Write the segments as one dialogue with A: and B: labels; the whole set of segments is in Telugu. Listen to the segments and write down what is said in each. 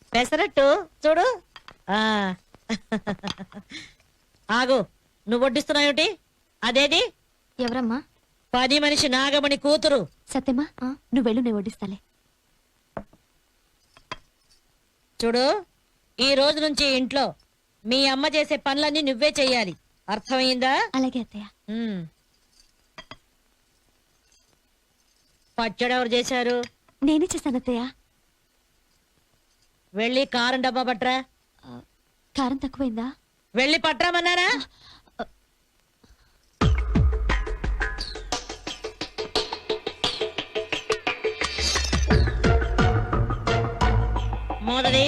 A: పెసరట్టు చూడు. ఆగు, నువ్వు వడ్డిస్తున్నావుటి? అదేది?
B: ఎవరమ్మా?
A: పని మనిషి నాగమణి కూతురు.
B: సత్యమా, నువ్వు వెళ్ళు, నేను వడ్డిస్తాలే.
A: చూడు, ఈ రోజు నుంచి ఇంట్లో మీ అమ్మ చేసే పనులన్నీ నువ్వే చెయ్యాలి, అర్థమైందా?
B: అలాగే అత్తయ్య.
A: పచ్చడి ఎవరు చేశారు?
B: నేనే చేశాను అత్తయ్య.
A: వెళ్ళి కారం డబ్బా పట్రా.
B: కారం తక్కువైందా?
A: వెళ్ళి పట్రామన్నారా? మోదది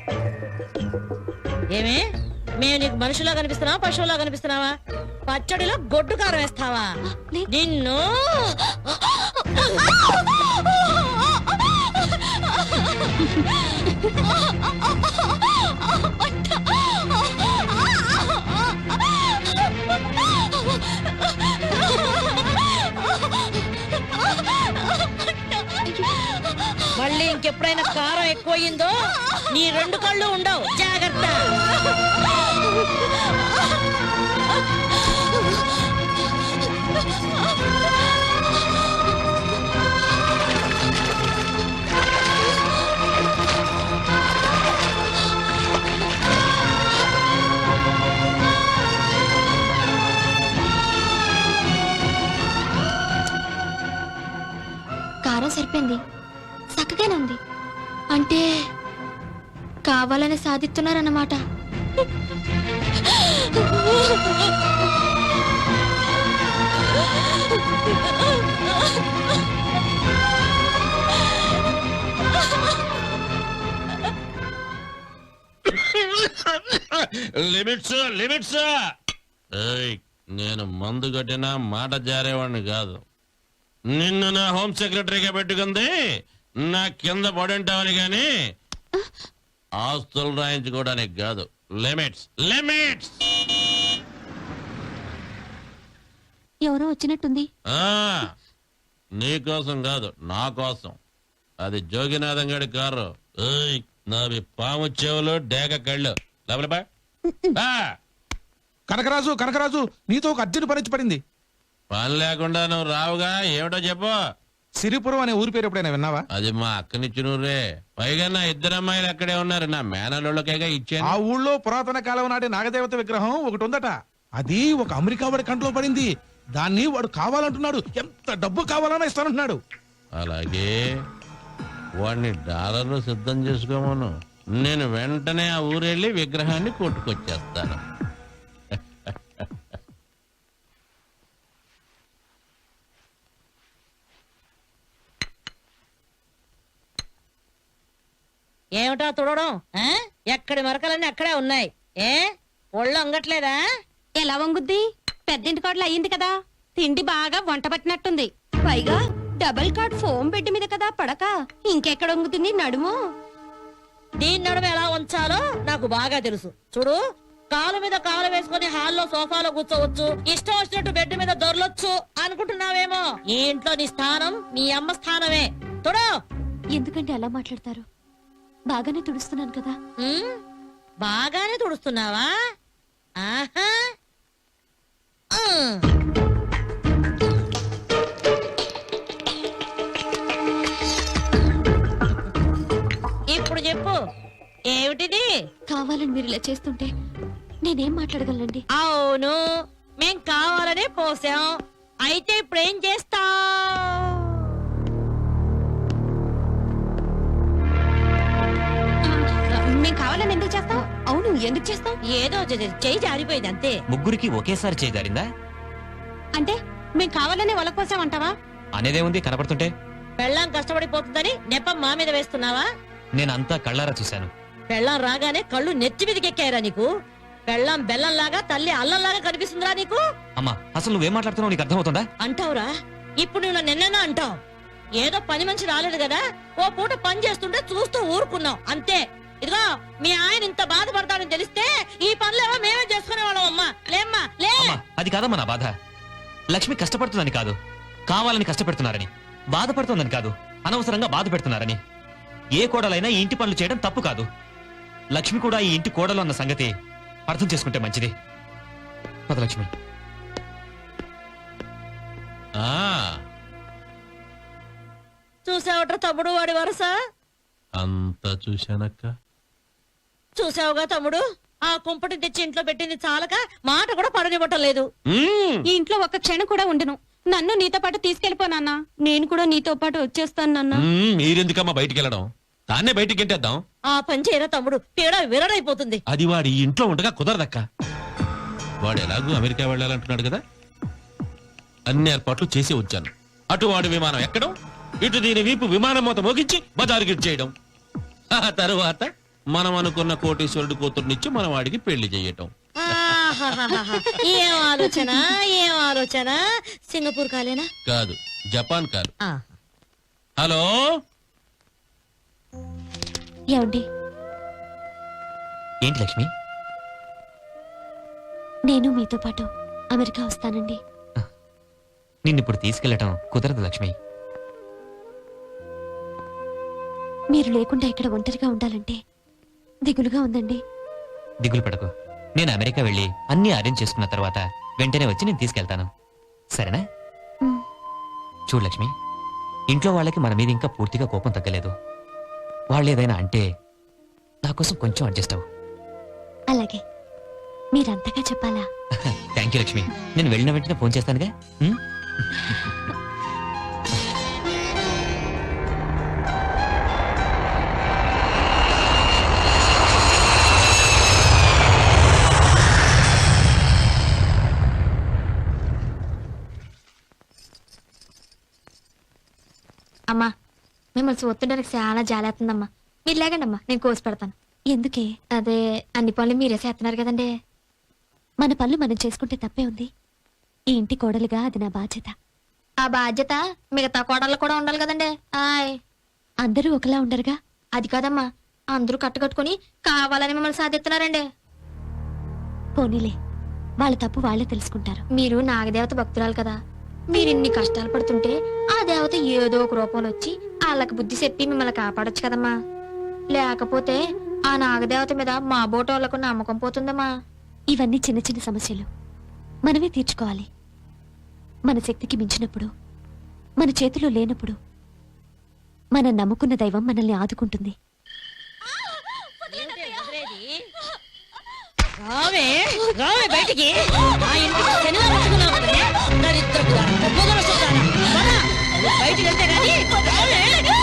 A: ఏమే, మేము నీకు మనుషులా కనిపిస్తున్నావా, పశువులా కనిపిస్తున్నావా? పచ్చడిలో గొడ్డు కారం వేస్తావా? నిన్ను మళ్ళీ ఇంకెప్పుడైనా కారం ఎక్కువయిందో నీ రెండు కళ్ళు ఉండవు, జాగ్రత్త.
B: కారం సరిపోయింది, చక్కగానే ఉంది. అంటే కావాలని సాధిస్తున్నారన్నమాట.
C: Limits limits. నేను మందు కట్టినా మాట జారేవాడిని కాదు. నిన్ను నా హోమ్ సెక్రటరీగా పెట్టుకుంది నా కింద పడుంటావని గాని ఆస్తులు రాయించుకోవడానికి కాదు. Limits limits.
B: ఎవరో వచ్చినట్టుంది.
C: నీకోసం కాదు, నా కోసం. అది జోగినాథం గడి కారు. నావి పాము చెవులు, డేగ కళ్ళు. లోపల
D: కనకరాజు కనకరాజు, నీతో ఒక అర్జెంట్ పని పడింది.
C: పని లేకుండా నువ్వు రావుగా, ఏమిటో చెప్పు.
D: సిరిపురం అనే ఊరి పేరు ఎప్పుడైనా విన్నావా?
C: అది మా అక్కనిచ్చినూరే. పైగా నా ఇద్దరు అమ్మాయిలు అక్కడే ఉన్నారు. నా మేనలోళ్ళకేగా ఇచ్చాను.
D: ఆ ఊళ్ళో పురాతన కాలం నాటి నాగదేవత విగ్రహం ఒకటి ఉందట. అది ఒక అమెరికా వాడి కంట్లో పడింది. దాన్ని వాడు కావాలంటున్నాడు. ఎంత డబ్బు కావాలన్నా ఇస్తానంటున్నాడు.
C: అలాగే వాడిని డాలర్లు సిద్ధం చేసుకోమను. నేను వెంటనే ఆ ఊరెళ్ళి విగ్రహాన్ని కొట్టుకొచ్చేస్తాను.
A: ఏమిటా తుడవడం? ఎక్కడి మరకలన్నీ అక్కడే ఉన్నాయి. ఒళ్ళు అంగట్లేదా?
E: ఎలా వంగుద్ది? పెద్దింటి కోడలు అయ్యింది కదా, తిండి బాగా వంట పట్టినట్టుంది. పైగా డబుల్ కాట్ ఫోమ్ బెడ్ మీద కదా పడక, ఇంకెక్కడ వంగుతుంది నడుము?
A: దీని నడుము ఎలా ఉంచాలో నాకు బాగా తెలుసు. చూడు, కాలు మీద కాలు వేసుకుని హాల్లో సోఫాలో కూర్చోవచ్చు, ఇష్టం వచ్చినట్టు బెడ్ మీద దొరలొచ్చు అనుకుంటున్నావేమో. ఈ ఇంట్లో నీ స్థానం మీ అమ్మ స్థానమే. చూడు.
B: ఎందుకంటే అలా మాట్లాడతారు? బాగానే తుడుస్తున్నాను కదా.
A: బాగానే తుడుస్తున్నావా? ఆహా. ఇప్పుడు చెప్పు, ఏమిటిది?
B: కావాలని మీరు ఇలా చేస్తుంటే నేనేం మాట్లాడగలండి?
A: అవును, మేం కావాలనే పోసాం. అయితే ఇప్పుడేం చేస్తావ్?
E: మేము కావాలని ఎందుకు చేస్తాం? అవును, ఎందుకు చేస్తాం?
A: ఏదో చెయ్యి జారిపోయింది అంతే.
F: ముగ్గురికి ఒకేసారి చేయదారిందా?
E: అంటే మేము కావాలని వాళ్ళ కోసం అంటావా?
F: అనేదే ఉంది కనపడుతుంటే.
A: పెళ్ళాం కష్టపడిపోతుందని నెపం మా మీద వేస్తున్నావా?
F: నేనంతా కళ్ళారా చూశాను.
A: పెళ్ళాం రాగానే కళ్ళు నెత్తి మీదకి ఎక్కాయిరా నీకు? పెళ్ళాం బెల్లంలాగా, తల్లి అల్లంలాగా కనిపిస్తుందిరా నీకు?
F: అమ్మా, అసలు నువ్వేం మాట్లాడుతున్నావు నీకు అర్థమవుతుందా?
A: అంటావురా? ఇప్పుడు నువ్వు నిన్న అంటావు. ఏదో పని మనిషి రాలేదు కదా, ఓ పూట పని చేస్తుంటే చూస్తూ ఊరుకున్నావు అంతే. ఇదిగో, మీ ఆయన ఇంత బాధపడతాడని తెలిస్తే ఈ పనులేవో మేమే చేసుకునేవాళ్ళం. అమ్మా లేమ్మా లే.
F: అది కాదమ్మా నా బాధ. లక్ష్మి కష్టపడుతుందని కాదు, కావాలని కష్టపెడుతున్నారని. బాధపడుతుందని కాదు, అనవసరంగా బాధ పెడుతున్నారని. ఏ కోడలైనా ఈ ఇంటి పనులు చేయడం తప్పు కాదు. లక్ష్మి కూడా ఈ ఇంటి కోడలు అన్న సంగతి అర్థం చేసుకుంటే మంచిది. పద లక్ష్మి.
C: ఆ
A: చూసావట్రా తమ్ముడు వాడి వరస.
C: అంతా చూశానక్క.
A: చూసావుగా తమ్ముడు, ఆ కుంపటి తెచ్చి ఇంట్లో పెట్టింది చాలక మాట కూడా పడనివ్వటం లేదు.
C: మ్మ్.
E: ఈ ఇంట్లో ఒక్క క్షణం కూడా ఉండను. నన్ను నీతో పాటు తీసుకెళ్లిపో నాన్న. నేను కూడా నీతో పాటు వచ్చేస్తాను నాన్న.
C: మీరెందుకమ్మా బయటికి వెళ్ళడం? దాన్నే బయటికి గెంటేద్దాం.
A: ఆ పని చేయరా తమ్ముడు, పీడ విరడైపోతుంది.
C: అది వాడి ఇంట్లో ఉండగా కుదరదక్క. వాడు ఎలాగూ అమెరికా వెళ్ళాలంటున్నాడు కదా, అన్ని ఏర్పాట్లు చేసి వచ్చాను. అటు వాడి విమానం ఎక్కడం, ఇటు దీని వీపు విమానం మూత మోగించి బజారుకి చేయడం. ఆ తరువాత మనం అనుకున్న కోటీశ్వరుడు కూతుర్నిచ్చి మన వాడికి పెళ్లి చేయటం.
A: ఆహాహాహా. ఏం ఆలోచన, ఏం ఆలోచన. సింగపూర్ కాలేనా?
C: కాదు, జపాన్ కాదు.
A: ఆ.
C: హలో,
B: ఏమండి,
F: ఏంటి లక్ష్మి?
B: నేను మీతో పాటు అమెరికా వస్తానండి.
F: నిన్నిప్పుడు తీసుకెళ్లటం కుదరదు లక్ష్మి.
B: మీరు లేకుండా ఇక్కడ ఒంటరిగా ఉండాలంటే దిగులుగా ఉందండి.
F: దిగులు పడకు. నేను అమెరికా వెళ్ళి అన్ని అరేంజ్ చేసుకున్న తర్వాత వెంటనే వచ్చి నేను తీసుకెళ్తాను. సరేనా?
B: ఉమ్.
F: చూడు లక్ష్మి, ఇంట్లో వాళ్ళకి మన మీద ఇంకా పూర్తిగా కోపం తగ్గలేదు. వాళ్ళు ఏదైనా అంటే నా కోసం కొంచెం అడ్జస్ట్ అవ్వు.
B: అలాగే, మీరంతగా చెప్పాలా?
F: Thank you Lakshmi. నేను వెళ్ళిన వెంటనే ఫోన్ చేస్తానుగా. ఉమ్?
G: అమ్మా, మిమ్మల్ని చూస్తుండడానికి చాలా జాలేస్తుందమ్మా. మీరు లేకండి అమ్మా, నేను కోసి పెడతాను.
B: ఎందుకే?
G: అదే, అన్ని పనులు మీరే చేస్తున్నారు కదండి.
B: మన పనులు మనం చేసుకుంటే తప్పే ఉంది. ఈ ఇంటి కోడలుగా అది నా బాధ్యత.
G: ఆ బాధ్యత మిగతా కోడళ్ళు కూడా ఉండాలి కదండి. ఆయ్,
B: అందరూ ఒకలా ఉండరుగా.
G: అది కాదమ్మా, అందరూ కట్టుకట్టుకుని కావాలని మిమ్మల్ని సాధిస్తున్నారండి.
B: పోనీలే, వాళ్ళ తప్పు వాళ్ళే తెలుసుకుంటారు.
G: మీరు నాగదేవత భక్తురాలు కదా. మీరు ఇన్ని కష్టాలు పడుతుంటే ఆ దేవత ఏదో ఒక రూపంలో వచ్చి వాళ్ళకి బుద్ధి చెప్పి మిమ్మల్ని కాపాడొచ్చు కదమ్మా. లేకపోతే ఆ నాగదేవత మీద మా బోటోళ్లకు నమ్మకం పోతుందమ్మా.
B: ఇవన్నీ చిన్న చిన్న సమస్యలు మనమే తీర్చుకోవాలి. మన శక్తికి మించినప్పుడు, మన చేతిలో లేనప్పుడు మనం నమ్ముకున్న దైవం మనల్ని ఆదుకుంటుంది.
A: రావే రావే బయటికి. ఆ ఇంటికి శనివారం వచ్చుకున్నావు కదనే, దరిద్రపు దాన, పొగరొచ్చు దాన. పద, నువ్వు బయటికి వెళ్తే గానీ రావే.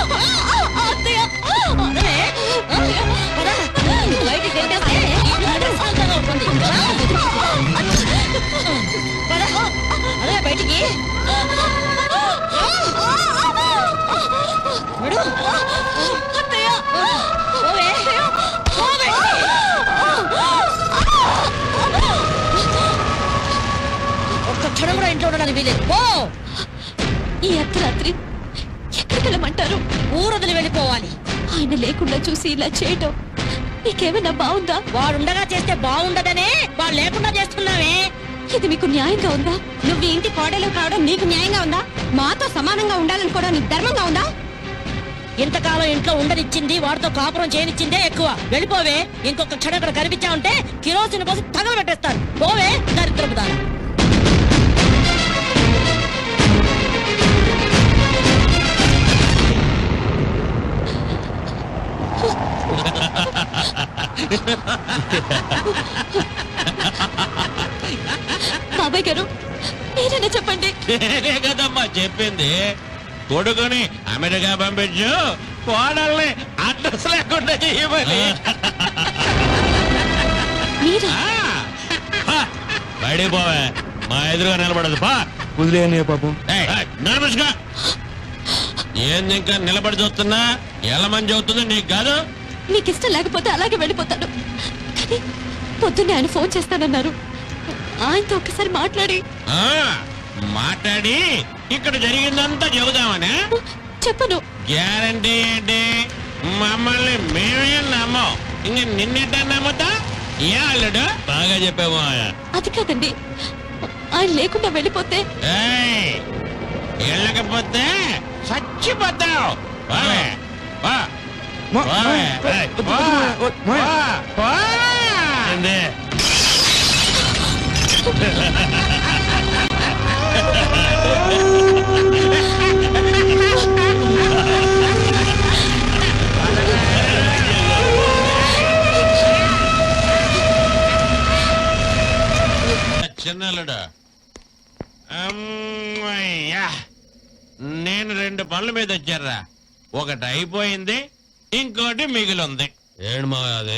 A: అదే, పద, నువ్వు బయటికి వెళ్తే ప్రశాంతంగా ఉంటుంది. పద, అదే బయటికి. విడు. పోవే, పోవే. ఒక్క క్షణం కూడా ఇంట్లో ఉండడానికి వీలేదు. పో.
B: ఈ అర్ధరాత్రి ఎక్కడికి వెళ్ళమంటారు?
A: ఊరొదిలి వెళ్ళిపోవాలి.
B: ఆయన లేకుండా చూసి ఇలా చేయటం నీకేమైనా బాగుందా?
A: వాడుండగా చేస్తే బాగుండదనే వాడు లేకుండా చేస్తున్నావే.
B: ఇది మీకు న్యాయంగా ఉందా?
E: నువ్వు ఈ ఇంటి కోడలు కావడం నీకు న్యాయంగా ఉందా? మాతో సమానంగా ఉండాలని కూడా నీకు ధర్మంగా ఉందా?
A: ఇంతకాలం ఇంట్లో ఉండనిచ్చింది, వాడితో కాపురం చేయనిచ్చిందే ఎక్కువ. వెళ్ళిపోవే. ఇంకొక క్షణం ఇక్కడ కనిపించావంటే కిరోసిన్ పోసి తగల పెట్టేస్తాను. పోవే దరిద్రపు దాన.
B: బాబాయ్ గారు, మీరైనా చెప్పండి.
C: నేనే కదమ్మా చెప్పింది. కొడుకుని అమెరికా పంపించు, కోడల్ని అడ్రస్ లేకుండా చేయమని.
B: మీరా?
C: బయటికి పోవే, మా ఎదురుగా నిలబడదు. పా.
F: పాపం.
C: నడుముసుగా. ఏంది ఇంకా నిలబడి చూస్తున్నా? ఎలా మంది అవుతుందో నీకు కాదు.
B: మీకు ఇష్టం లేకపోతే అలాగే వెళ్ళిపోతాను. కానీ పొద్దున్నే ఆయన ఫోన్ చేస్తానన్నారు. ఆయనతో ఒక్కసారి మాట్లాడి
C: మాట్లాడి ఇక్కడ జరిగిందంతా చెబుదామనే.
B: చెప్పను.
C: గ్యారంటీ ఏంటి? మమ్మల్ని మేమే నమ్మం, ఇంక నిన్నెట్ట నమ్ముతా? ఏ అల్లుడు బాగా చెప్పావు.
B: అది కాదండి, ఆయన లేకుండా వెళ్ళిపోతే
C: వెళ్ళకపోతే చచ్చిపోతావు. పోవే. పో. పో. ఏంది? చిన్నలుడు అమ్మయ్యా, నేను 2 పనుల మీద వచ్చారా. ఒకటి అయిపోయింది, ఇంకోటి మిగిలింది.
F: ఏడు మా అది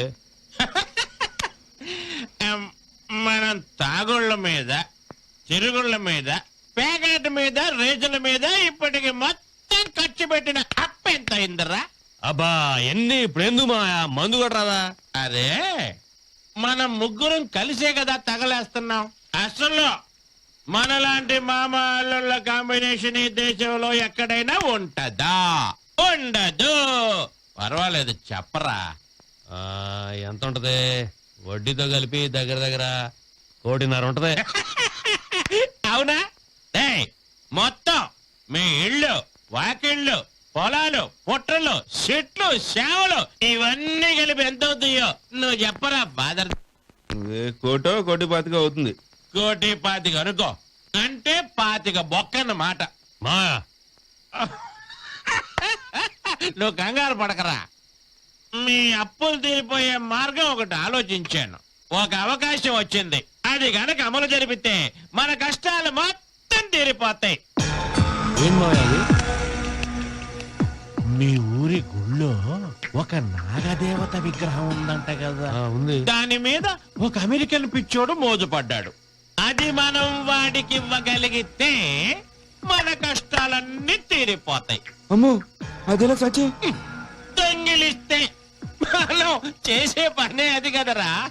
C: మనం తాగుళ్ళ మీద, తిరుగుళ్ళ మీద, పేకాట మీద, రేజుల మీద ఇప్పటికి మొత్తం ఖర్చు పెట్టిన అప్పు ఎంత అయిందిరా?
F: అబ్బా ఎన్ని ఇప్పుడు ఎందుకు మా మందు కూడా రాదా?
C: అరే, మనం ముగ్గురం కలిసే కదా తగలేస్తున్నాం. అసలు మనలాంటి మామ అల్లుళ్ళ కాంబినేషన్ ఈ దేశంలో ఎక్కడైనా ఉంటదా? ఉండదు. పర్వాలేదు, చెప్పరా.
F: ఎంత ఉంటది? వడ్డీతో కలిపి దగ్గర దగ్గర 1.5 ఉంటది.
C: అవునా? ఏయ్, మొత్తం మీ ఇళ్ళు, వాకిళ్ళు, పొలాలు, పుట్టలు, చెట్లు, సేవలు ఇవన్నీ కలిపి ఎంత అవుతాయో నువ్వు చెప్పరా బాదర్?
H: 1.25 అవుతుంది.
C: 1.25 అనుకో, అంటే 25 బొక్కన్నమాట.
F: మా
C: నువ్వు కంగారు పడకరా. మీ అప్పులు తీరిపోయే మార్గం ఒకటి ఆలోచించాను. ఒక అవకాశం వచ్చింది. అది గనక అమలు జరిపితే మన కష్టాలు మొత్తం తీరిపోతాయి.
F: ఏం మా అది?
C: మీ ఊరి గుళ్ళో ఒక నాగదేవత విగ్రహం ఉందంట కదా.
F: ఉంది.
C: దాని మీద ఒక అమెరికన్ పిచ్చోడు మోజుపడ్డాడు. అది మనం వాడికి ఇవ్వగలిగితే మన కష్టాలన్నీ తీరిపోతాయి.
H: అమ్మో, అదేలా సచి?
C: దొంగిలిస్తే మనం చేసే పనే అది కదరా.